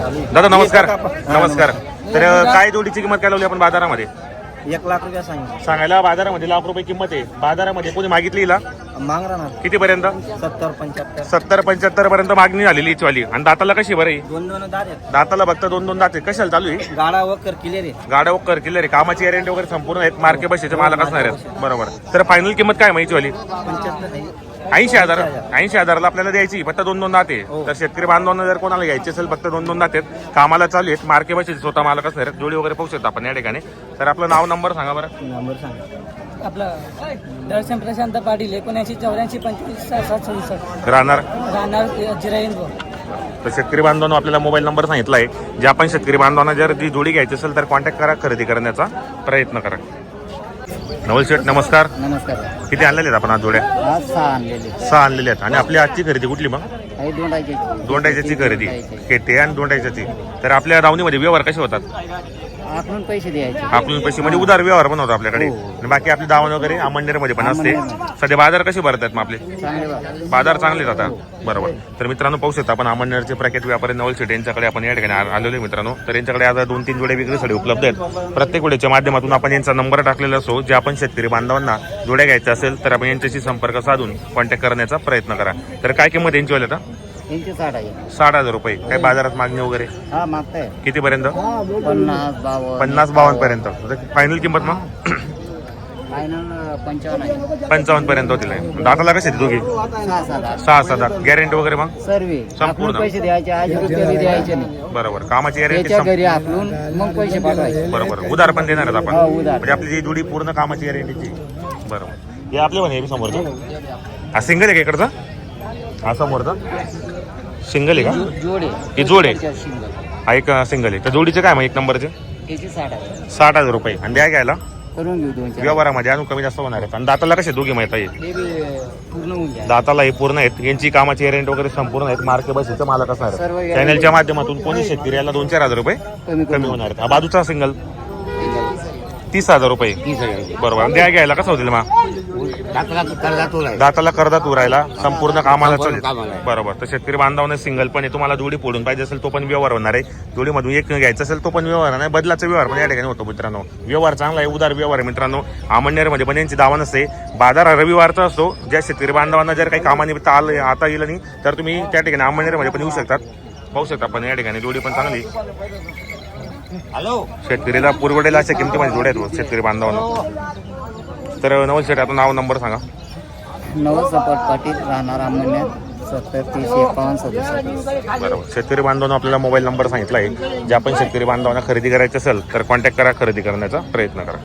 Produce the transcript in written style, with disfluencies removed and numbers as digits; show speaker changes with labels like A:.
A: दादा नमस्कार. नमस्कार. तर काय जोडीची किंमत काय लावली आपण बाजारामध्ये?
B: 1 लाख रुपया सांगितलं.
A: सांगायला बाजारामध्ये लाख रुपये किंमत आहे. बाजारामध्ये कोणी मागितली हिला
B: माग राहणार
A: किती पर्यंत?
B: 70-75.
A: 70-75 पर्यंत मागणी झालेली हिची वाली. आणि दाताला कशी बरं आहे?
B: 2-2 दात आहेत.
A: दाताला फक्त 2-2 दात आहे. कशाला चालू आहे?
B: गाडा वकर क्लिअर आहे.
A: गाड्या वगैरे किल्ले रे, कामाची गॅरंटी वगैरे संपूर्ण आहेत. मार्के बशीचे मालक असणार आहेत. बरोबर. तर फायनल किंमत काय माहिती वाली?
B: 75 आहे.
A: 80,000. 80,000ला आपल्याला द्यायची. फक्त 2-2 दात आहे.
B: हो.
A: तर शेतकरी बांधवांना जर कोणाला घ्यायची असेल फक्त 2-2 दात आहेत. कामाला चालू आहेत. मार्के बशीचे स्वतः मालक असणार आहेत. जोडी वगैरे पाहू शकतो आपण या ठिकाणी. तर आपलं नाव नंबर सांगा बरं.
B: नंबर सांगा.
C: आपलं दर्शन प्रशांत पाटील 79-84-25-67-67
A: राहणार
C: जिराईन.
A: तर शेतकरी बांधवांनो आपल्याला मोबाईल नंबर सांगितला आहे. जे आपण शेतकरी बांधवांना जर ती जोडी घ्यायची असेल तर कॉन्टॅक्ट करा, खरेदी करण्याचा प्रयत्न करा. नवल शेठ नमस्कार.
B: नमस्कार.
A: किती आणलेले आहेत आपण आज जोड्या?
B: आज 6 आणलेले.
A: 6 आणलेले आहेत. आणि आपली आजची खरेदी कुठली मग?
B: काही
A: दोंडायच्याची खरेदी केटे आणि दोंडायच्याची. तर आपल्या दावणीमध्ये व्यवहार कसे होतात?
B: आपण पैसे द्यायचे.
A: आपण पैसे म्हणजे उदार व्यवहार पण होतो आपल्याकडे.
B: हो.
A: आणि बाकी आपली दावण वगैरे अमंडेरमध्ये पण असते. सध्या बाजार कसे भरत आहेत मग आपले?
B: चांगले
A: बाजार चांगले जातात. बरोबर. तर मित्रांनो पाहू शकता आपण अमंडेरचे प्रख्यात व्यापारी नवल शेठ यांच्याकडे आपण या ठिकाणी आलेलो आहे मित्रांनो. तर यांच्याकडे आज 2-3 जोड्या विक्रीसाठी उपलब्ध आहेत. प्रत्येक वेळेच्या माध्यमातून आपण यांचा नंबर टाकलेला असो. जे आपण शेतकरी बांधवांना जोड्या घ्यायच्या असेल तर आपण यांच्याशी संपर्क साधून कॉन्टॅक्ट करण्याचा प्रयत्न करा. तर काय किंमत यांची वाली आता? 60,000 रुपये. काय बाजारात मागणी वगैरे
B: हा मागताय
A: किती पर्यंत?
B: 50-52
A: पर्यंत. फायनल किंमत मग?
B: फायनल 55
A: 55 पर्यंत होतील. दाताला कसे दोघी? 6-7 गॅरंटी वगैरे मग संपूर्ण
B: पैसे द्यायचे, 1000 रुपये द्यायचे नाही.
A: बरोबर. कामाची गॅरंटी
B: त्याच्या घरी आपलून मग पैसे पाठवायचे.
A: बरोबर. उधार पण देणार आहेत आपण.
B: उधार.
A: म्हणजे आपली जी जोडी पूर्ण कामाची गॅरंटीची. बरोबर. हे आपले म्हणे समोरचं हा सिंगल आहे का इकडचा? हा समोरचा सिंगल आहे का?
B: जोडे
A: ही जोड आहे. हा एक सिंगल आहे. तर जोडीचे काय मग एक नंबरचे? 60,000 रुपये. आणि द्या घ्यायला
B: करून घेऊ 2-4
A: व्यवहारामध्ये अजून कमी जास्त होणार आहेत. आणि दाताला कसे दोघे माहिती आहे?
B: पूर्ण होऊन जाईल.
A: दाताला हे पूर्ण आहेत. यांची कामाची गॅरंटी वगैरे संपूर्ण आहेत. मार्के बसीचं मालक असणार
B: सर्व
A: आहेत.
B: guarantee.
A: चॅनलच्या माध्यमातून कोणी शेतकरी याला 2-4 हजार रुपये कमी होणार आहेत. हा बाजूचा सिंगल 30,000 रुपये. बरोबर. आणि द्या घ्यायला कसं होतील मग? दाताला करदात उरायला संपूर्ण कामाला चालेल. बरोबर. तर शेतकरी बांधवांना सिंगल पण आहे. तुम्हाला जोडी फोडून पाहिजे असेल तो पण व्यवहार होणार आहे. जोडीमधून एक घ्यायचं असेल तो पण व्यवहार नाही. बदलाचा व्यवहार पण या ठिकाणी होतो मित्रांनो. व्यवहार चांगला आहे. उदार व्यवहार आहे मित्रांनो. अमळनेरमध्ये पण यांची दावा नसते. बाजार रविवारचा असतो. ज्या शेतकरी बांधवांना जर काही कामानिमित्त आता येईल नाही तर तुम्ही त्या ठिकाणी अमळनेरमध्ये पण येऊ शकतात. पाहू शकता पण या ठिकाणी जोडी पण चांगली. शेतकरीला पुरवडेला अशा किमतीमध्ये जोड्या आहेत शेतकरी बांधवांना. तर नवल शेठ आता नाव नंबर सांगा.
B: नवसपट पाटील राहणार अमळनेर 70-30-51-67.
A: बरोबर. शेतकरी बांधवांना आपल्याला मोबाईल नंबर सांगितला आहे. जे आपण शेतकरी बांधवांना खरेदी करायची असेल तर कॉन्टॅक्ट करा, खरेदी करण्याचा प्रयत्न करा.